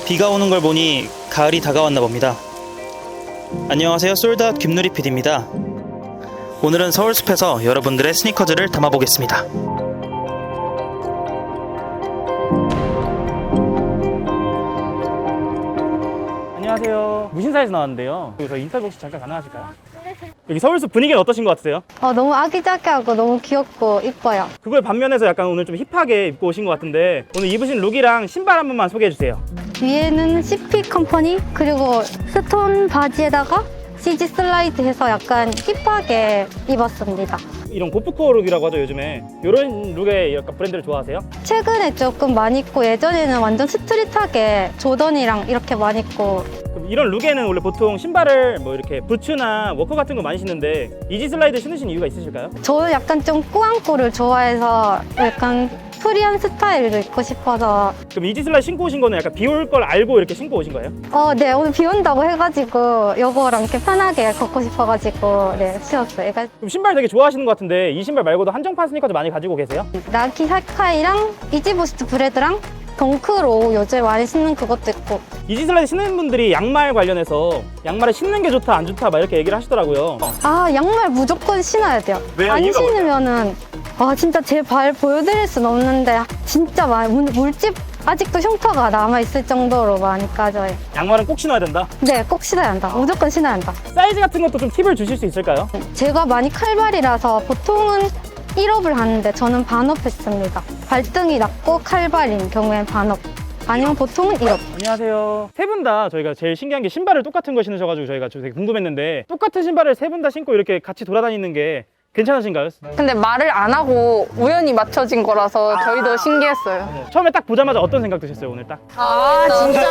비가 오는 걸 보니 가을이 다가왔나 봅니다. 안녕하세요, 솔드아웃 김누리 PD입니다. 오늘은 서울숲에서 여러분들의 스니커즈를 담아보겠습니다. 안녕하세요. 무신사에서 나왔는데요. 여기서 인터뷰 혹시 잠깐 가능하실까요? 여기 서울숲 분위기는 어떠신 것 같으세요? 너무 아기자기하고 너무 귀엽고 이뻐요. 그걸 반면에서 약간 오늘 좀 힙하게 입고 오신 것 같은데 오늘 입으신 룩이랑 신발 한 번만 소개해 주세요. 위에는 CP 컴퍼니 그리고 스톤 바지에다가 CG 슬라이드 해서 약간 힙하게 입었습니다. 이런 고프코어 룩이라고 하죠, 요즘에. 이런 룩의 약간 브랜드를 좋아하세요? 최근에 조금 많이 입고 예전에는 완전 스트릿하게 조던이랑 이렇게 많이 입고. 그럼 이런 룩에는 원래 보통 신발을 뭐 이렇게 부츠나 워커 같은 거 많이 신는데 이지 슬라이드 신으신 이유가 있으실까요? 저는 약간 좀 꾸안꾸를 좋아해서 약간 프리한 스타일을 입고 싶어서. 그럼 이지 슬라이드 신고 오신 거는 약간 비 올 걸 알고 이렇게 신고 오신 거예요? 네, 오늘 비 온다고 해가지고 요거랑 이렇게 편하게 걷고 싶어가지고 네, 신었어요. 그럼 신발 되게 좋아하시는 것 같은데 이 신발 말고도 한정판 스니커즈 많이 가지고 계세요? 나이키 사카이랑 이지부스트 브레드랑 덩크로 요즘 많이 신는 그것도 있고. 이지 슬라이드 신는 분들이 양말 관련해서 양말을 신는 게 좋다 안 좋다 막 이렇게 얘기를 하시더라고요. 양말 무조건 신어야 돼요. 왜요? 안 이유가 신으면은 진짜 제 발 보여드릴 순 없는데 진짜 많이 물집 아직도 흉터가 남아있을 정도로 많이 까져요. 양말은 꼭 신어야 된다. 네, 꼭 신어야 한다. 무조건 신어야 한다. 사이즈 같은 것도 좀 팁을 주실 수 있을까요? 제가 많이 칼발이라서 보통은 1업을 하는데 저는 반업 했습니다. 발등이 낮고 칼발인 경우엔 반업. 아니면 보통은 1업. 안녕하세요. 세 분 다 저희가 제일 신기한 게 신발을 똑같은 거 신으셔가지고 저희가 되게 궁금했는데 똑같은 신발을 세 분 다 신고 이렇게 같이 돌아다니는 게 괜찮으신가요? 근데 말을 안 하고 우연히 맞춰진 거라서 저희도 신기했어요. 처음에 딱 보자마자 어떤 생각 드셨어요, 오늘 딱? 진짜?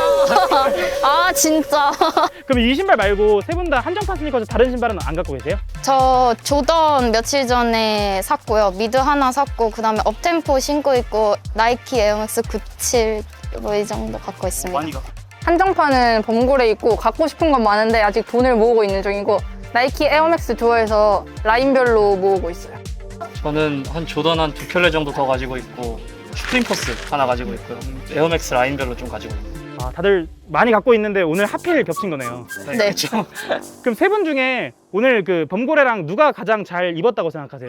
진짜? 그럼 이 신발 말고 세 분 다 한정판 스니커즈 다른 신발은 안 갖고 계세요? 저 조던 며칠 전에 샀고요. 미드 하나 샀고 그다음에 업템포 신고 있고 나이키 에어맥스 97 뭐 이 정도 갖고 있습니다. 갖고. 한정판은 범고래 있고 갖고 싶은 건 많은데 아직 돈을 모으고 있는 중이고 나이키 에어맥스 좋아해서 라인별로 모으고 있어요. 저는 한 조던 한 2켤레 정도 더 가지고 있고 슈프림 포스 하나 가지고 있고요. 에어맥스 라인별로 좀 가지고 있고. 다들 많이 갖고 있는데 오늘 하필 겹친 거네요. 네. 그렇죠. 그럼 세 분 중에 오늘 그 범고래랑 누가 가장 잘 입었다고 생각하세요?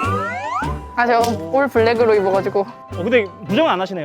제가 올 블랙으로 입어가지고 근데 부정은 안 하시네요.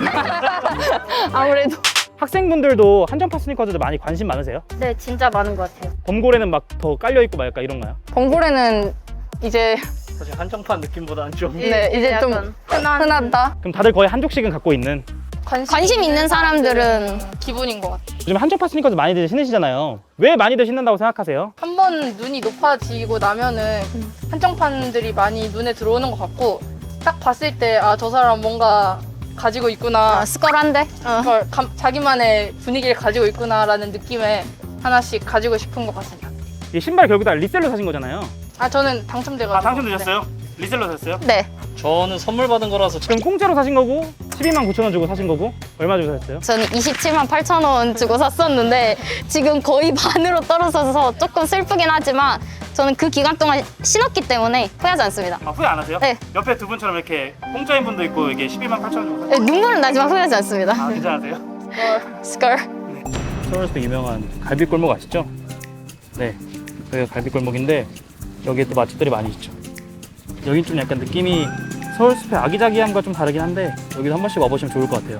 아무래도 학생분들도 한정판 스니커즈도 많이 관심 많으세요? 네, 진짜 많은 것 같아요. 범고래는 막 더 깔려있고 막 약간 이런가요? 범고래는 이제 사실 한정판 느낌보다는 좀 이제 좀 흔하다. 그럼 다들 거의 한 족씩은 갖고 있는. 관심 있는 사람들은 기분인 것 같아요. 요즘 한정판 스니커즈 많이들 신으시잖아요. 왜 많이들 신는다고 생각하세요? 한 번 눈이 높아지고 나면은 한정판들이 많이 눈에 들어오는 것 같고 딱 봤을 때 저 사람 뭔가 가지고 있구나. 스컬한데? 그걸 자기만의 분위기를 가지고 있구나라는 느낌에 하나씩 가지고 싶은 것 같습니다. 이 신발 결국 다 리셀로 사신 거잖아요. 저는 당첨돼가지고. 당첨되셨어요? 리셀로 사셨어요? 네. 저는 선물 받은 거라서 그럼 공짜로 사신 거고 12만 9천 원 주고 사신 거고 얼마 주고 사셨어요? 저는 27만 8천 원 주고 샀었는데 지금 거의 반으로 떨어져서 조금 슬프긴 하지만 저는 그 기간 동안 신었기 때문에 후회하지 않습니다. 후회 안 하세요? 네. 옆에 두 분처럼 이렇게 공짜인 분도 있고 이게 12만 8천 원 주고 네, 눈물은 나지만 후회하지 않습니다. 괜찮으세요? 스컬. 서울숲 유명한 갈비골목 아시죠? 네, 여기가 갈비골목인데 여기에 또 맛집들이 많이 있죠. 여긴 좀 약간 느낌이 서울숲의 아기자기함과 좀 다르긴 한데 여기도 한 번씩 와보시면 좋을 것 같아요.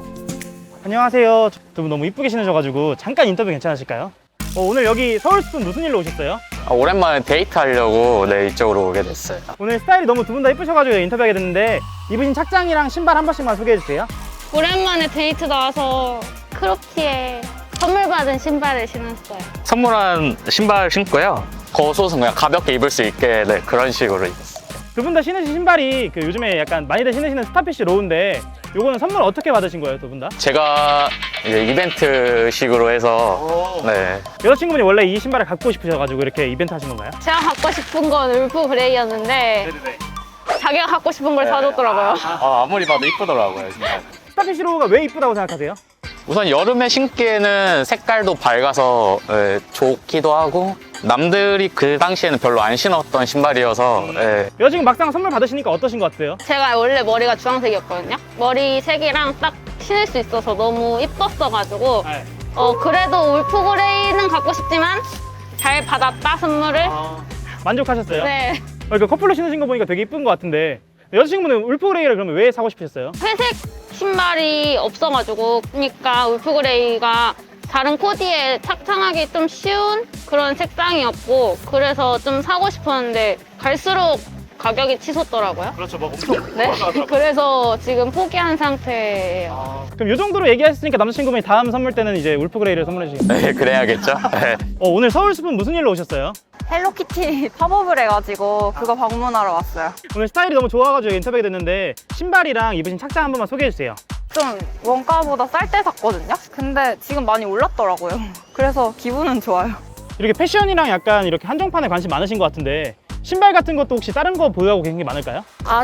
안녕하세요. 두 분 너무 이쁘게 신으셔가지고 잠깐 인터뷰 괜찮으실까요? 오늘 여기 서울숲은 무슨 일로 오셨어요? 오랜만에 데이트하려고 이쪽으로 오게 됐어요. 오늘 스타일이 너무 두 분 다 이쁘셔가지고 인터뷰하게 됐는데 입으신 착장이랑 신발 한 번씩만 소개해주세요. 오랜만에 데이트 나와서 크롭티에 선물 받은 신발을 신었어요. 선물한 신발 신고요. 겉옷은 그냥 가볍게 입을 수 있게 그런 식으로 입었어요. 두 분 다 신으신 신발이 그 요즘에 약간 많이들 신으시는 스타피쉬 로우인데 요거는 선물 어떻게 받으신 거예요, 두 분 다? 제가 이제 이벤트식으로 해서 여자친구분이 원래 이 신발을 갖고 싶으셔가지고 이렇게 이벤트 하신 건가요? 제가 갖고 싶은 건 울프 그레이였는데 자기가 갖고 싶은 걸 사줬더라고요. 아무리 봐도 이쁘더라고요. 진짜. 스타피쉬 로우가 왜 이쁘다고 생각하세요? 우선 여름에 신기에는 색깔도 밝아서 좋기도 하고 남들이 그 당시에는 별로 안 신었던 신발이어서 여자친구 막상 선물 받으시니까 어떠신 것 같아요? 제가 원래 머리가 주황색이었거든요. 머리 색이랑 딱 신을 수 있어서 너무 이뻤어가지고 네. 그래도 울프그레이는 갖고 싶지만 잘 받았다 선물을. 만족하셨어요? 네. 그 커플로 신으신 거 보니까 되게 이쁜 것 같은데 여자친구분은 울프그레이를 그러면 왜 사고 싶으셨어요? 회색 신발이 없어가지고 그러니까 울프그레이가 다른 코디에 착장하기 좀 쉬운 그런 색상이었고 그래서 좀 사고 싶었는데 갈수록 가격이 치솟더라고요. 그렇죠, 뭐 네. 그래서 지금 포기한 상태예요. 그럼 이 정도로 얘기하셨으니까 남자친구분이 다음 선물 때는 이제 울프그레이를 선물해 주시겠어요? 네, 그래야겠죠. 네. 오늘 서울숲은 무슨 일로 오셨어요? 헬로키티 팝업을 해가지고 그거 방문하러 왔어요. 오늘 스타일이 너무 좋아가지고 인터뷰가 됐는데 신발이랑 입으신 착장 한 번만 소개해 주세요. 좀 원가보다 쌀 때 샀거든요? 근데 지금 많이 올랐더라고요. 그래서 기분은 좋아요. 이렇게 패션이랑 약간 이렇게 한정판에 관심 많으신 것 같은데 신발 같은 것도 혹시 다른 거 보유하고 계신 게 많을까요?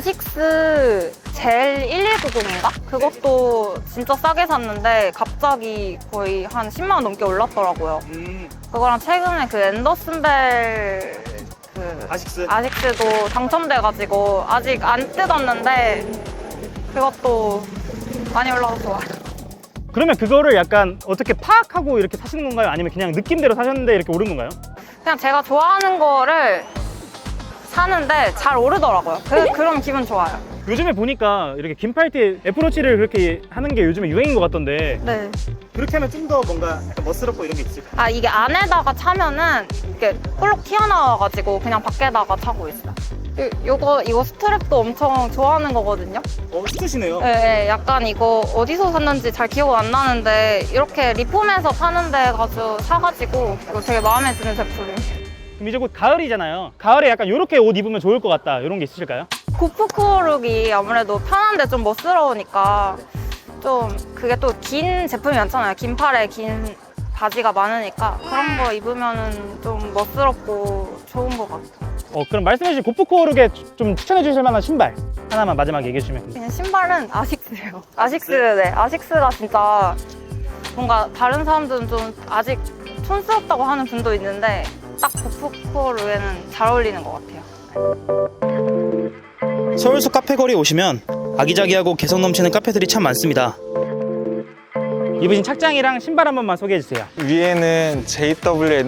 아식스 젤 1190인가? 그것도 진짜 싸게 샀는데 갑자기 거의 한 10만 원 넘게 올랐더라고요. 그거랑 최근에 그 앤더슨벨 그 아식스도 당첨돼가지고 아직 안 뜯었는데 그것도 많이 올라서 좋아요. 그러면 그거를 약간 어떻게 파악하고 이렇게 사시는 건가요? 아니면 그냥 느낌대로 사셨는데 이렇게 오른 건가요? 그냥 제가 좋아하는 거를 사는데 잘 오르더라고요. 그럼 기분 좋아요. 요즘에 보니까 이렇게 긴 팔티 애플워치를 그렇게 하는 게 요즘에 유행인 것 같던데 네. 그렇게 하면 좀 더 뭔가 약간 멋스럽고 이런 게 있을까요? 아, 이게 안에다가 차면은 이렇게 볼록 튀어나와가지고 그냥 밖에다가 차고 있어요. 이거 스트랩도 엄청 좋아하는 거거든요. 스트시네요. 네, 약간 이거 어디서 샀는지 잘 기억 안 나는데 이렇게 리폼해서 파는 데 가서 사가지고 이거 되게 마음에 드는 제품이에요. 그럼 이제 곧 가을이잖아요. 가을에 약간 이렇게 옷 입으면 좋을 것 같다 이런 게 있으실까요? 고프코룩이 아무래도 편한데 좀 멋스러우니까 좀 그게 또 긴 제품이 많잖아요. 긴 팔에 긴 바지가 많으니까 그런 거 입으면은 좀 멋스럽고 좋은 것 같아요. 그럼 말씀해주신 고프코룩에 좀 추천해 주실 만한 신발 하나만 마지막에 얘기해 주시면 그냥 신발은 아식스예요. 아식스, 네. 아식스가 진짜 뭔가 다른 사람들은 좀 아직 촌스럽다고 하는 분도 있는데 딱 고프코룩에는 잘 어울리는 것 같아요. 서울숲 카페거리에 오시면 아기자기하고 개성 넘치는 카페들이 참 많습니다. 입으신 착장이랑 신발 한 번만 소개해 주세요. 위에는 JW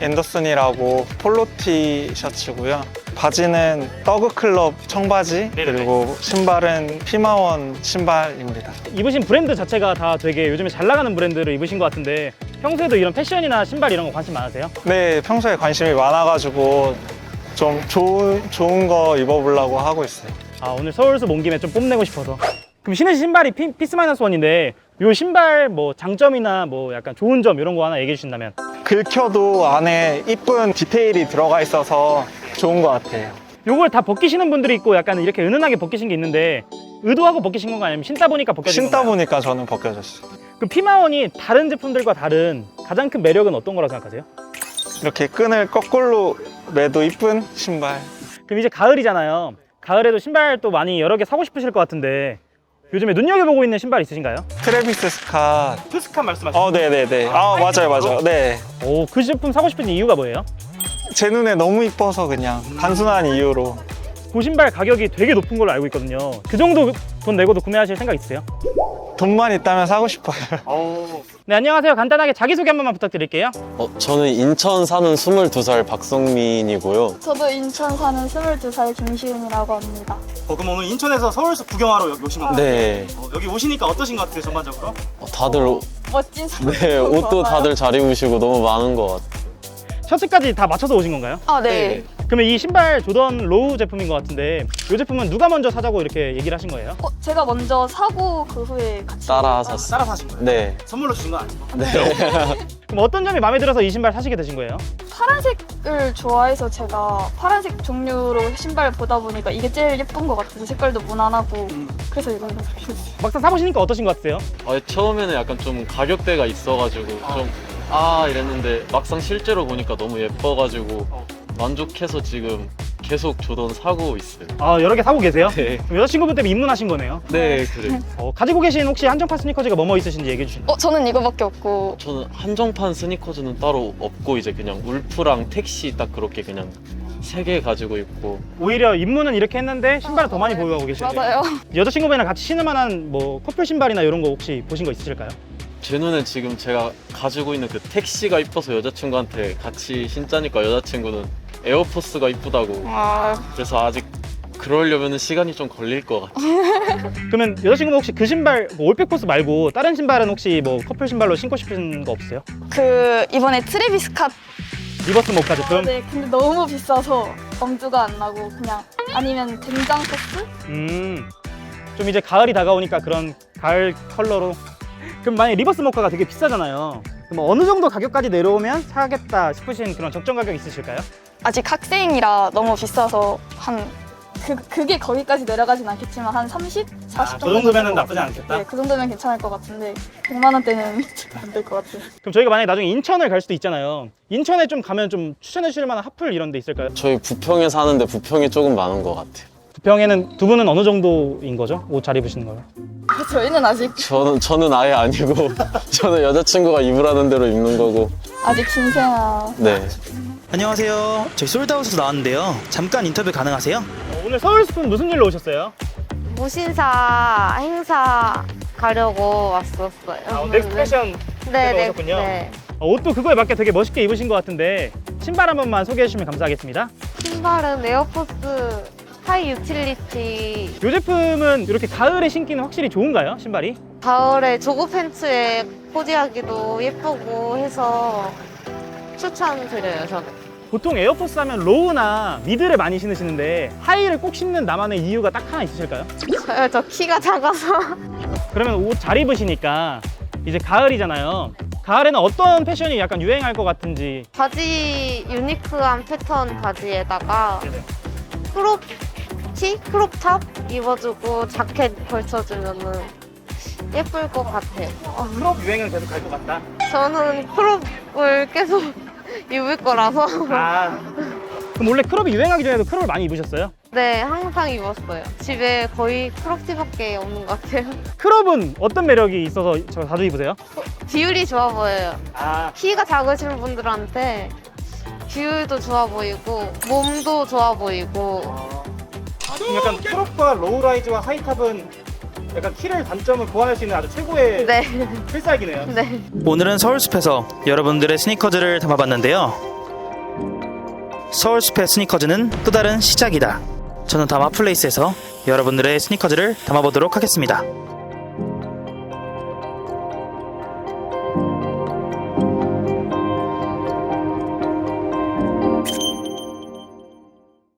앤더슨이라고 폴로티 셔츠고요. 바지는 더그클럽 청바지, 그리고 신발은 피마원 신발입니다. 입으신 브랜드 자체가 다 되게 요즘에 잘 나가는 브랜드를 입으신 것 같은데 평소에도 이런 패션이나 신발 이런 거 관심 많으세요? 네, 평소에 관심이 많아가지고 좀 좋은 거 입어보려고 하고 있어요. 오늘 서울숲 온 김에 좀 뽐내고 싶어서. 그럼 신으신 신발이 피스-1인데 이 신발 뭐 장점이나 뭐 약간 좋은 점 이런 거 하나 얘기해 주신다면? 긁혀도 안에 이쁜 디테일이 들어가 있어서 좋은 것 같아요. 요걸 다 벗기시는 분들이 있고 약간 이렇게 은은하게 벗기신 게 있는데 의도하고 벗기신 건가요? 아니면 신다 보니까 벗겨진 신다 건가요? 보니까 저는 벗겨졌어요. 그럼 피마원이 다른 제품들과 다른 가장 큰 매력은 어떤 거라고 생각하세요? 이렇게 끈을 거꾸로 매도 이쁜 신발. 그럼 이제 가을이잖아요. 가을에도 신발 또 많이 여러 개 사고 싶으실 것 같은데 요즘에 눈여겨보고 있는 신발 있으신가요? 트래비스 스캇. 투스칸 말씀하시죠? 네네네. 맞아요. 네. 그 제품 사고 싶은 이유가 뭐예요? 제 눈에 너무 이뻐서 그냥 단순한 이유로. 그 신발 가격이 되게 높은 걸로 알고 있거든요. 그 정도 돈 내고도 구매하실 생각 있으세요? 돈만 있다면 사고 싶어요. 네, 안녕하세요. 간단하게 자기소개 한 번만 부탁드릴게요. 저는 인천 사는 22살 박성민이고요. 저도 인천 사는 22살 김시은이라고 합니다. 그럼 오늘 인천에서 서울숲 구경하러 여기 오신 건가요? 네. 여기 오시니까 어떠신 것 같아요, 전반적으로? 다들 멋진 사람. 네, 옷도 다들 잘 입으시고 너무 많은 것 같아요. 셔츠까지 다 맞춰서 오신 건가요? 네. 그러면 이 신발 조던 로우 제품인 것 같은데 이 제품은 누가 먼저 사자고 이렇게 얘기를 하신 거예요? 제가 먼저 사고 그 후에 같이 따라 샀어요. 따라 사신 거예요? 네. 선물로 주신 건 아니고? 네. 그럼 어떤 점이 마음에 들어서 이 신발 사시게 되신 거예요? 파란색을 좋아해서 제가 파란색 종류로 신발을 보다 보니까 이게 제일 예쁜 것 같아서 색깔도 무난하고 그래서 이걸 샀어요. 막상 사보시니까 어떠신 것 같으세요? 처음에는 약간 좀 가격대가 있어가지고 이랬는데 막상 실제로 보니까 너무 예뻐가지고 만족해서 지금 계속 조던 사고 있어요. 여러 개 사고 계세요? 네. 그럼 여자친구분 때문에 입문하신 거네요? 네, 그래요. 가지고 계신 혹시 한정판 스니커즈가 뭐뭐 있으신지 얘기해 주시면. 저는 이거밖에 없고 저는 한정판 스니커즈는 따로 없고 이제 그냥 울프랑 택시 딱 그렇게 그냥 3개 가지고 있고 오히려 입문은 이렇게 했는데 신발을 더 많이 보유하고 계시네요. 맞아요. 여자친구분이랑 같이 신을 만한 뭐 커플 신발이나 이런 거 혹시 보신 거 있으실까요? 제 눈에 지금 제가 가지고 있는 그 택시가 이뻐서 여자친구한테 같이 신자니까 여자친구는 에어포스가 이쁘다고. 그래서 아직 그러려면 시간이 좀 걸릴 것 같아요. 그러면 여자친구분 혹시 그 신발 뭐 올백포스 말고 다른 신발은 혹시 뭐 커플 신발로 신고 싶은 거 없으세요? 그 이번에 트래비스 캇. 리버스 모카 제품? 네, 근데 너무 비싸서 엄두가 안 나고 그냥 아니면 된장 소스? 좀 이제 가을이 다가오니까 그런 가을 컬러로. 그럼 만약에 리버스 모카가 되게 비싸잖아요. 그럼 어느 정도 가격까지 내려오면 사겠다 싶으신 그런 적정 가격 있으실까요? 아직 학생이라 너무 비싸서 한 그게 거기까지 내려가진 않겠지만 한 30, 40 정도. 그 정도면 나쁘지 않겠다. 네, 그 정도면 괜찮을 것 같은데 100만 원대는 안 될 것 같아요. 그럼 저희가 만약에 나중에 인천을 갈 수도 있잖아요. 인천에 좀 가면 좀 추천해 주실 만한 핫플 이런 데 있을까요? 저희 부평에 사는데 부평이 조금 많은 것 같아요. 부평에는 두 분은 어느 정도인 거죠? 옷 잘 입으시는 거요? 저희는 아직 저는 아예 아니고 저는 여자친구가 입으라는 대로 입는 거고. 아직 신생아. 네. 안녕하세요. 저희 솔드아웃에서 나왔는데요. 잠깐 인터뷰 가능하세요? 오늘 서울스푼 무슨 일로 오셨어요? 무신사 행사 가려고 왔었어요. 넥스트 패션 네, 오셨군요. 네. 옷도 그거에 맞게 되게 멋있게 입으신 것 같은데 신발 한 번만 소개해 주시면 감사하겠습니다. 신발은 에어포스 하이 유틸리티. 이 제품은 이렇게 가을에 신기는 확실히 좋은가요? 신발이? 가을에 조거 팬츠에 코디하기도 예쁘고 해서 추천드려요, 저는. 보통 에어포스 하면 로우나 미드를 많이 신으시는데 하이를 꼭 신는 나만의 이유가 딱 하나 있으실까요? 저요, 저 키가 작아서. 그러면 옷 잘 입으시니까 이제 가을이잖아요. 가을에는 어떤 패션이 약간 유행할 것 같은지. 바지 유니크한 패턴 바지에다가 크롭 티? 크롭탑 입어주고 자켓 걸쳐주면은 예쁠 것 같아요. 크롭 유행은 계속 갈 것 같다. 저는 크롭을 계속 입을 거라서. 그럼 원래 크롭이 유행하기 전에도 크롭을 많이 입으셨어요? 네, 항상 입었어요. 집에 거의 크롭티밖에 없는 것 같아요. 크롭은 어떤 매력이 있어서 저 자주 입으세요? 비율이 좋아 보여요. 키가 작으신 분들한테 비율도 좋아 보이고 몸도 좋아 보이고. 그럼 약간 크롭과 로우라이즈와 하이탑은 약간 키를 단점을 보완할 수 있는 아주 최고의 필살기네요. 네. 오늘은 서울숲에서 여러분들의 스니커즈를 담아봤는데요. 서울숲의 스니커즈는 또 다른 시작이다. 저는 다마플레이스에서 여러분들의 스니커즈를 담아보도록 하겠습니다.